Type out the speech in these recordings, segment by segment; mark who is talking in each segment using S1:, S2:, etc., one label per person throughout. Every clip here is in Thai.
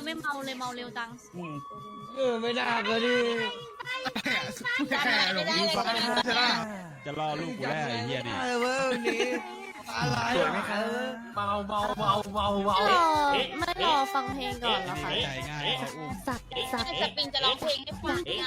S1: ไม่เมาเลยเมาเร็วจัง
S2: ไม่ได้ก็ดิ
S3: หลงยิงฟ้าใช่ไหมจะรอลูกกูแล้วไอ้เหี้ยดิ
S2: เว้ยวันนี้อะไรสวยไหมครับเมา
S1: ไม่รอฟังเพลงก่อนเหรอคะ
S3: ใจง่ายเขาอุ้ม
S1: สัก
S4: สปริงจะร้องเพลงให้ฟังเนี่ย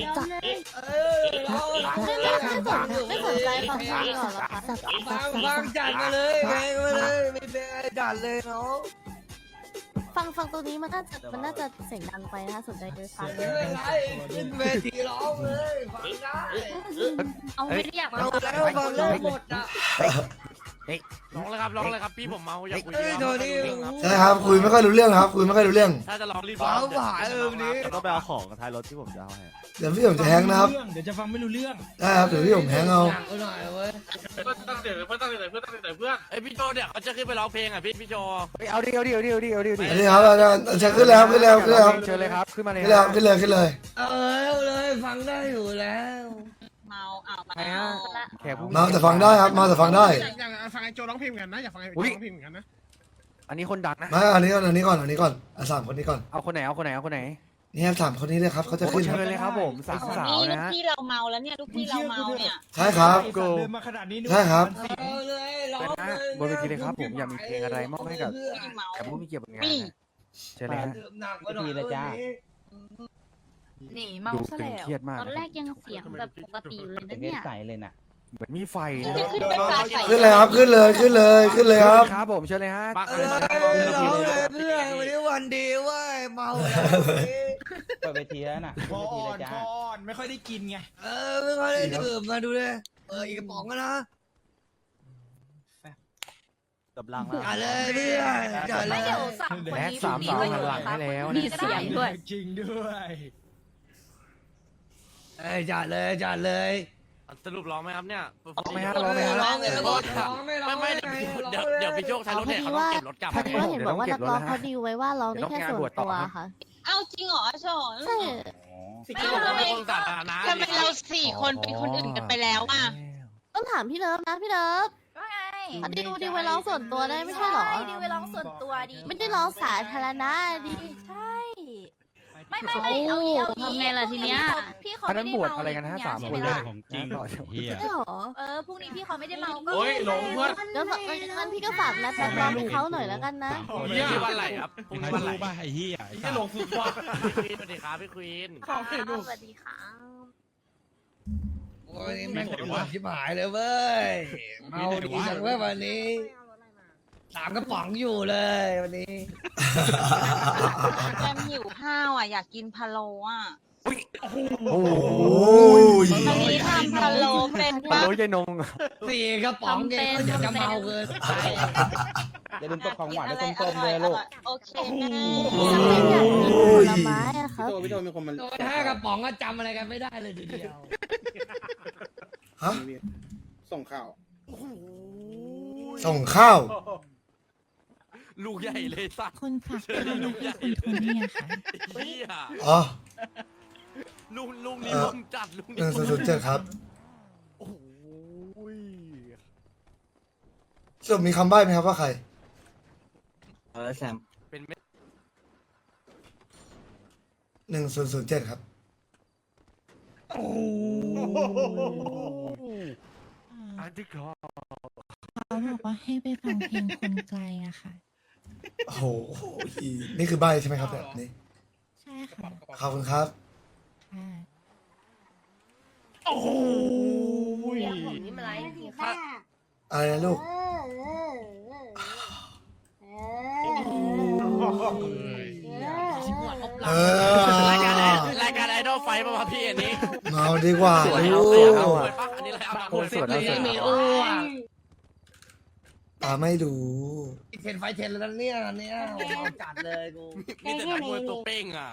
S1: ไม่สนใจฟังเพลงก่อนเหรอคะ
S2: ฟังจัดมาเลยเพลงมาเลยไม่เพลงอะไรจัดเลยเนาะ
S1: ฟังตัวนี้มันน่าจะเสียงดังไปนะคะสนใจไปฟัง
S2: ไม่เป็นไรขึ้นเวทีร้องเลยฟังได้
S1: เอาไม่ได้อยาก
S2: เอาแล้วฟังแล้วหมดอ่ะ
S5: ร้องเลยครับพี่ผมเมาอยากคุย
S2: โทนี่
S6: ใช่ครับคุยไม่ค่อยรู้เรื่องครับคุยไม่ค่อยรู้เรื่อง
S5: ถ้าจะร้องรีบ
S2: ฟ้าผ่าวันนี้
S7: ต้องไปเอาของกับท้ายรถที่ผมจะเอาให้
S6: เดี๋ยวพี่ผมจะแฮงนะครับ
S3: เดี๋ยวจะฟังไม่รู้เรื่อง
S6: ได้ครับเดี๋ยวพี่ผมแฮงเอา
S2: หนักหน่อยเว้ย
S5: เพื่อนไอยพี่โจเนี่ยเขาจะขึ้นไปร้องเพลงอ่ะพี่โจ
S7: เอาดิ
S6: อันนี้ครับอาจารย์ขึ้นเลยครับขึ้นเลยครับ
S7: เชิญเลยครับขึ้นมาเลย
S6: ขึ้นเลยขึ้นเลย
S2: เอาเลยฟังได้อยู่แล้ว
S4: เมาเมา
S7: แขกผู้
S6: มาแต่ฟังได้ครับมาแต่ฟังได้
S5: อยากฟังไอโจร้องเพลงเหมือนกันนะอยากฟังไอโจร้องเพลงเหมือนกันนะ
S7: อันนี้คนดังนะ
S6: มาอันนี้ก่อนสามคนนี้ก่อน
S7: เอาคนไหน
S6: นี่ครับสามคนนี้เลยครับเขาจะขึ้น
S7: เชิญเลยครับผมสาวสาว
S4: นี่ลู
S7: นะ
S4: ก
S7: ฮะ
S4: พี่เราเมาแล้วเนี่ยลูกพี่เราเมาเนี่ย
S6: ใช่ครับ
S3: เดินมาขนาดนี้
S6: ใช่ครับ
S2: เอาเลยร้องเลย
S7: บนเวทีเลยครับผมอยากมีเพลงอะไรมอบให้กับ
S4: เมา
S7: แขกผู้มีเกียรติบนงานเชิญเลยฮะ
S2: หนักกว่าหน่อยเลยจ้า
S1: นี่เมา
S7: ดู
S1: ซะ
S7: ตึง
S1: แล้ว
S7: เครียดมาก
S1: ตอนแรกยังเสียงแบบปกติอยู่เลยนะเนี่ย
S7: เหมือนมีไฟ
S4: จะขึ้นเป็นฟ้าใส
S6: ขึ้นเลยครับขึ้นเลยครับ
S7: ครับผมเชิญเลยฮะ
S2: เอ้ยร้องเลยเพื่อนวันนี้วันดีเว้ยเมาแล้ว
S8: เปิดเวทีแล้วน่ะ
S3: คอนไม่ค่อยได้กินไง
S2: ไม่ค่อยได้ดื่มมาดูเลยอีกกระป๋องก็นะ
S7: กับลัง
S2: จัดเลยเพื่อนจัดเล
S1: ไม่
S2: ย
S1: เดี๋ยวสามคน
S7: แบ็ค
S1: นี้
S7: สามสาวหันหลังให้แล้ว
S1: มี
S7: นะ
S1: เสียงด้วย
S3: จริงด้วย
S2: จัดเลย
S5: สรุปร้องไหมครับเนี่ย
S2: ร้องเลยร้องเลย
S5: ไม่เดี๋ยวพี่โจท้ายรถเนี่ยเขาต้องเก็บรถกลับ
S1: พอดีว่าเห็นบอกว่านักร้องเขาดีลไว้ว่าร้องได้แค่ส่วนตัวค่ะ
S4: เอ้าจริงเหรอชอน
S1: ใช่
S5: สิ่งที่ผมเป็นคนสาธารณะ
S4: ทำไมเรา4 คนเป็นคนอื่นกันไปแล้วอ่ะ
S1: ต้องถามพี่เลิฟนะพี่เลิฟ
S9: ว่าไง
S1: เขาดีลไว้ร้องส่วนตัวได้ไม่ใช่เหรอ
S9: ดีไว้ร้องส่วนตัวดี
S1: ไม่ได้ร้องสาธารณะดิ
S9: ใช่ไม่
S1: โอ้
S9: เอาอีก
S1: ทำไงล่ะทีเนี้ย
S9: พี่เขา
S7: อัน
S9: ไม่
S7: นั้น
S9: ได้
S7: บวช
S9: เมา
S7: อะไรกันนะฮะสาม
S9: ใช่
S7: ค
S9: ไหม
S7: น
S9: ล่ะ
S3: ของจริงเฮีย
S1: ใช่เหรอ
S9: พรุ่งนี้พี่เขาไม่ได้เมาก็
S5: โอ้ยหลงเพื่อน
S1: แล้วงั้นพี่ก็ฝากนัดนักร้องให้เขาหน่อยแล้วกันนะ
S5: พรุ่งนี้วันไหนครับพรุ่ง
S3: ใคร
S5: นี้วันไหน
S3: รู้ป่ะไอ้เหี้ย
S5: พี่หลงสุดยอดสวัสดีครับพี่ควีน
S1: สวัสดีค่ะ
S2: วันนี้แม่งปวดชิบหายเลยเว้ยเมาดีจังเว้ยวันนี้3 กระป๋องอยู่เลยวันนี้
S4: แกมหิวข้าวอ่ะอยากกินพะโล้อ่ะ
S6: โอ้ย
S4: วันนี้ทำพะโล้เป็น
S7: ปลา
S4: ปะ
S7: โรยใจนง
S2: 4 กระป๋องเองจะเมาเกิน
S8: อย่าลืมตกของหวานด้วยส้มๆเลยลูก
S4: โอเคแม่
S1: ฉันไม่อยากกินผลไม้อะครับ
S8: พี่โจมีคนมัน
S2: โดน5 กระป๋องก็จำอะไรกันไม่ได้เลยทีเดียว
S6: ฮะ
S8: ส่งข่าว
S6: ส่งข้าว
S5: ลูกใหญ่เลยสัก
S9: คุณค่ะ
S5: เชิญลูกใหญ่
S9: คุณโทนี่ค่ะ
S5: เฮีย
S6: อ๋อ
S5: ลูกนี้ลมจัดลูกนี้
S6: 1007ครับ
S5: โอ้ย
S6: สรุปมีคำใบ้ไหมครับว่าใคร
S8: แซม
S5: เป็นเม็ด
S6: 1007ครับ
S7: อันที่คอ
S9: เขาบอกว่าให้ไปฟังเพลงคนไกลอะค่ะ
S6: โอ้โหนี่คือใบ้ใช่ไหมครับแบบนี้
S9: ใช่ค่ะ
S6: ขอบคุณครับ
S9: ค่ะ
S5: โอ้ย
S6: อะไรนะลูก เออ
S5: รายการไอดอลไฟมาพี่อันนี้
S6: เมาดีกว่า
S7: สวย
S6: ลู
S7: เอา
S6: ก
S7: อะ
S5: อันนี้อะไรเอา
S7: โคตรสวยเอาสวย
S2: ไม่อ้วน
S6: ตาไม่รู้
S2: เทนไฟเทนแล้วเนี่ยจัดเลยกู
S5: มีแต่นักมวยตัวเป้งอ่ะ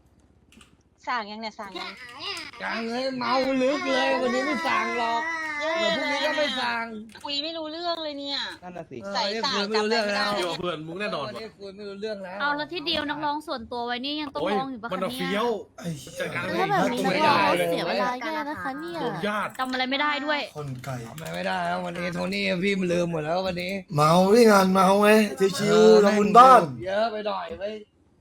S4: สั่งยังเนี่ยสั่งยัง
S2: ยังเลยเมาลึกเลยวันนี้ไม่สั่งหรอก
S4: เย้
S2: เดี๋ยวพรุ่งนี้ก็ไม่สั่ง
S4: คุยไม่รู้เรื่องเลยเนี่ย
S8: นั่นน่ะสิ
S4: ใส่สายจำอะไรไม่ได้
S5: เดี๋ยวเพื่อนมุกแน่นอน
S2: วันนี้คุยไม่รู้เรื่องแล้ว
S1: เอาแล้วที่เดียวนักร้องส่วนตัวไว้นี่ยังต้อง
S5: โอ้ย
S1: ร้องอยู่ปะ
S5: มัน
S1: คะ
S5: เอา
S1: เนี่
S5: เฟี้ย
S1: ยว
S6: ไอ้
S5: จัดการ
S1: ถ้าแบบนี้นักร้องเสียเวลาแย่นะคะเนี่ย
S5: รวมญาติ
S1: จำอะไรไม่ได้ด้วย
S6: คนไก่
S2: ทำอะไรไม่ได้แล้ววันนี้โทนี่พี่มันลืมหมดแล้ววันนี้
S6: เมาที่งานเมาไงชิวๆละมุนบ้าน
S2: เยอะไปหน่อยเว้ย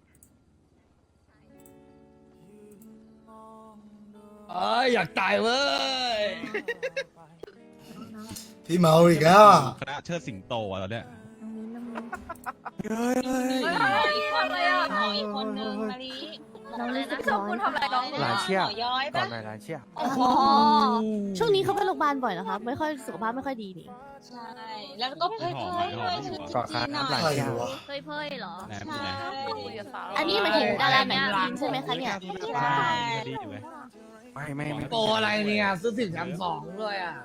S2: อยากตายเว้ย
S6: พี่เมาอีกแล้วอ่ะ
S3: คณะเชิดสิงโตอ่ะตอนเนี้ย
S4: หมออีกคนเลยอ่ะหมออีกคนนึงมาลี
S1: เราเลยนะชอบคุณทำอะไรน้อง
S7: หลานเชี่ย
S4: หมอย้อย
S7: ก่อ
S4: ปะ
S7: นหน่อยหลานเชี่ย
S1: อ๋อช่วงนี้เขาไปโรงพยาบาลบ่อยนะคะไม่ค่อยสุขภาพไม่ค่อยดีนี่
S4: ใช่ แล้วก็เพ่ยๆด้วยชุด
S7: ก่อน
S4: จี
S7: คาน
S4: ๆหน่อ
S7: น้ำหลาน
S4: ย
S6: ใคร
S7: เชี่ย
S6: วะ
S1: เพ่ยๆเหรอ
S3: แหนม
S4: ใช่
S3: อยู่ไหน
S1: อันนี้หมายถึงดาราหนังจีนใช่ไหมคะเนี่ย
S4: ใช่
S3: ดีอยู่ไหม
S7: ไม่
S2: โปรอะไรเนี่ยซื้อถึง3-2ด้วยอ่ะ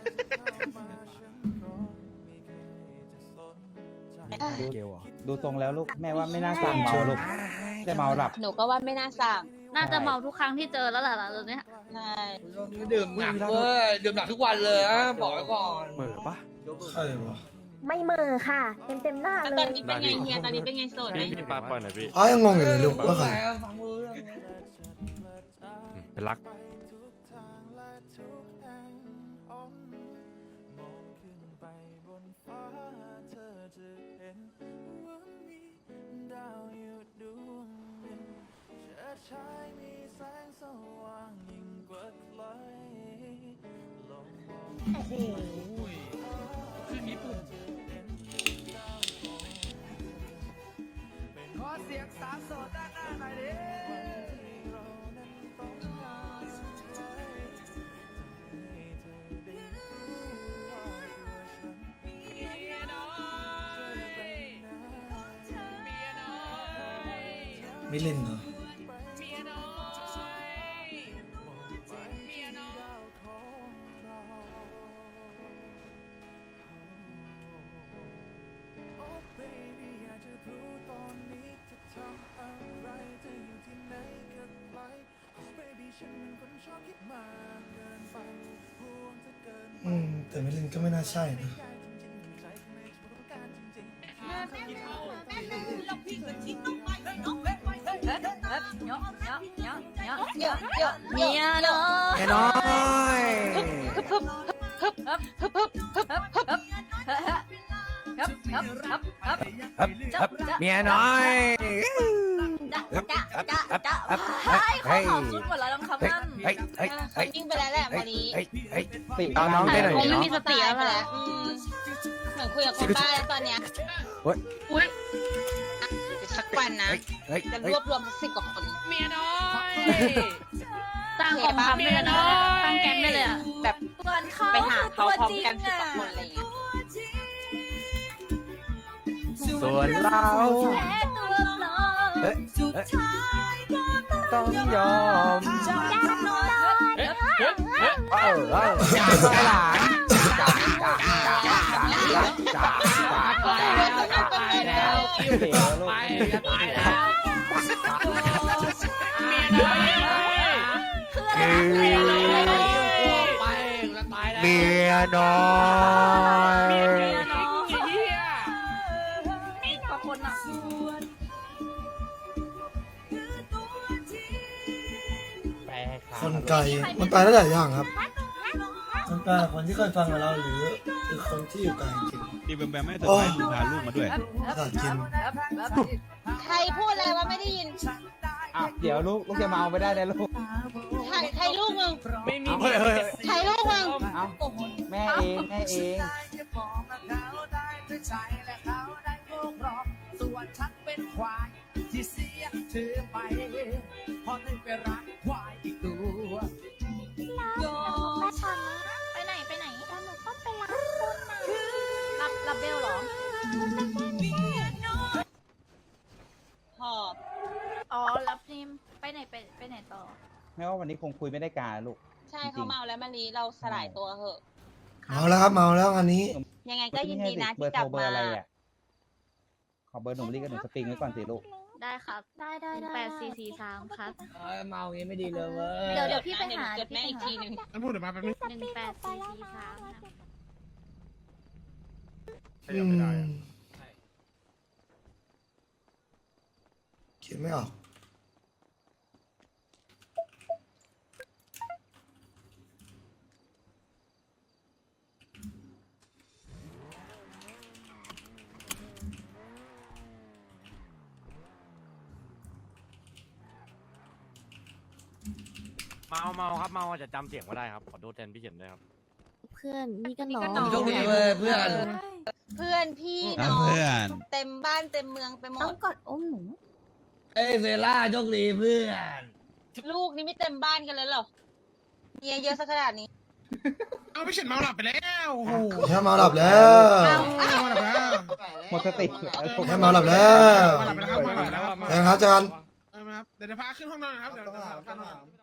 S7: เกลอ่ะ
S8: ดูทรงแล้วลูกแม่ว่าไม่น่าสั่งเมาลูกจะเมาหลับ
S4: หนูก็ว่าไม่น่าสั่ง
S1: น่าจะเมาทุกครั้งที่เจอแล้วแหละตอนเนี้ย
S4: ใช่
S2: ดื่มหนักเว้ยดื่มหนักทุกวันเลยนะบอกไว้ก่อน
S7: เหมือปะ
S6: ใครวะ
S10: ไม่เหมอค่ะ เต็มหน้า
S4: แล้ว
S10: เล
S4: ตอย นนี้เป็นไงเฮียตอนนี้เป็นไงโสดไหม
S5: พี่ปาปล่อยหน่อยพี่
S6: อ้ายังงงอยู่เลยลูกว่าใคร
S2: ฟังรู้เรื่อง
S7: เป็นรัก
S10: โอ้โห
S2: ขอเสียงสาวโสดด้านหน้าหน่อยดิ
S6: มิลินเหรอ แต่มิลินก็ไม่น่าใช่นะ
S1: เมียน้อย
S7: แค่น้อย เมียน้อยเฮ้ย
S1: ชุดหมดแล้วน้องคำนั่น
S7: เฮ้ยเฮ้ยเฮ้ย
S4: ยิ่งไปแล้วแหละมาลี
S7: เฮ้ยเฮ้ย
S8: ติ
S7: เอาน้องได้หน่อย
S1: คงไม่
S7: เนาะ
S1: มีสติแล้ว
S4: ไป
S1: แห
S4: แล้
S1: ละ
S4: วเหมือนคุยกับคนบ้าแล้วตอนเนี้ย
S1: อุ้ย
S4: สักวันนะ
S7: เฮ้ย
S4: จะ
S7: เฮ้
S4: ร
S7: ยว
S4: บรวมสัก10 กว่าคน
S1: ตั้งกองทัพได้เลยนะตั้งแก๊งได้เลยอ่ะ
S4: แบบไปหาเขาพร้อมกัน10 กว่าคนอะไรอย่างเงี้ย
S7: ส่วนเราต้องยอมจ่าไปหลานจ่า
S2: ตายแล้วคิว
S8: เดี๋ยวลูก
S2: ไปจะตายแล้วเมียน้อยไปจะตายแล้ว
S7: เมียน้อย
S1: ขอบคุณอ่ะ
S6: คนไก่มันแปลได้หลายอย่างครับมันแปลคนที่เคยฟังกับเราหรือคนที่อยู่ไกลจริง
S3: ตีแบมแบมไม่เซอร์ไพรส์มึงพาลูกมาด้วย
S6: ภาษาจีน
S4: ใครพูดอะไรว่าไม่ได้ยิน
S8: อ่ะเดี๋ยวลูกจะเมาไปได้เลยลูก
S4: ใครลูกมึง
S5: ไม่มี
S4: ใครลูกมึง
S8: เอาแม่เองแม่เอง
S2: ส่วนฉันเป็นควายที่เสียเธอไปพอได้ไปรักควายอีกตัว
S1: ไปไหนไปไหนหนูต้องไปรับคนนะรับเบลเหรอ
S4: หอบ
S1: อ๋อรับนิมไปไหนไปไหนต่อ
S8: แม่ว่าวันนี้คงคุยไม่ได้การลูก
S4: ใช่เขาเมาแล้วมาลีเราสลายตัวเหอะ
S6: เมาแล้วครับเมาแล้วอันนี้
S4: ยังไงก็ยินดีนะ
S8: เบอ
S4: ที่
S8: ร์
S4: ก ลับมา
S8: โทรเบอร์อะไรอ่ะขอเบอร์หนุ่มลี่กับหนุ่มสปริงไว้ก่อนสิลูก
S4: ได้ครับ
S1: ได้ได้ได้
S4: 8443ครับ
S2: เมาอย่างงี้ไม่ดีเลยเว้ย
S1: เดี๋ยวพี่ไปหา
S4: จดแม่อีกทีหนึ่ง
S5: พูดเดี๋ยวมาแป๊บนึง
S4: 18443ครับ
S6: อืมคิดไม่ออก
S5: เมาครับเมาจะจำเสียงไม่ได้ครับขอโทษแทนพี่เฉินด้วยครับ
S1: เพื่อนนี่ก็น้อง
S2: โชคดีเว้ยเพื่อน
S4: เพื่อนพี่น้องเต็มบ้านเต็มเมืองไปหม
S1: ต้อง
S4: ด
S1: กอดอุ้มหนู
S2: เอ้ยเซล่าโชคดีเพื่อน
S4: ลูกนี่ไม่เต็มบ้านกันเลยเหรอเมียเยอะสักขนาดนี้
S5: เอาพี่เฉินเมาหลับไปแล้วโอ้โห
S6: แค่เมาหลับแล้ว
S5: เมาหลับแล้ว
S8: หมดสติ
S6: แค่เมาหลับแล้ว
S5: เมาหลับไปแล้วครับเมาหลับแล้ว
S6: แทงครับอาจารย์
S5: ครับเดี๋ยวพาขึ้นห้องนอนนะครับเดี๋ยวพาขึ้นห้องนอน